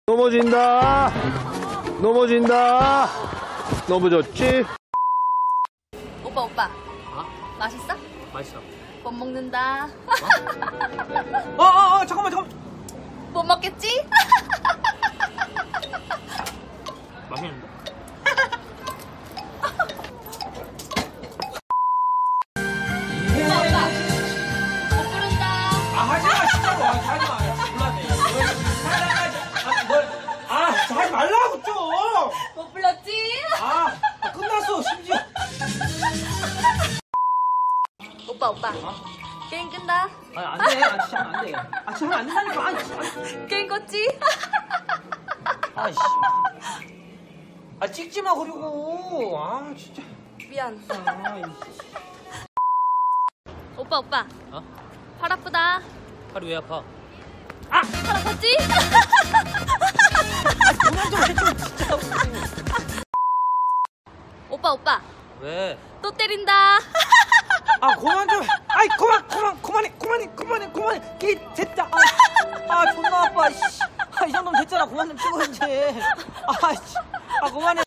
넘어진다. 넘어진다. 넘어졌지? 오빠. 어? 맛있어? 맛있어. 못 먹는다. 잠깐만. 못 먹겠지? 맛있는데? 오빠. 못 부른다. 하지마, 진짜로. 하지마. 몰랐네. 하지 말라고 좀. 못 불렀지? 끝났어, 심지어. 오빠. 게임 끝나. 안 돼. 진짜 안 돼. 진짜 안 된다니까. 게임 껐지? 씨. 찍지 마, 그리고. 진짜. 미안. 이씨. 오빠. 어? 팔 아프다. 팔이 왜 아파? 팔 아팠지? 그만 좀 해줘, 진짜. 오빠. 왜? 또 때린다. 그만 좀. 그만해. 됐다. 존나 아파. 이 정도면 됐잖아. 그만 좀 찍어, 이제. 그만해.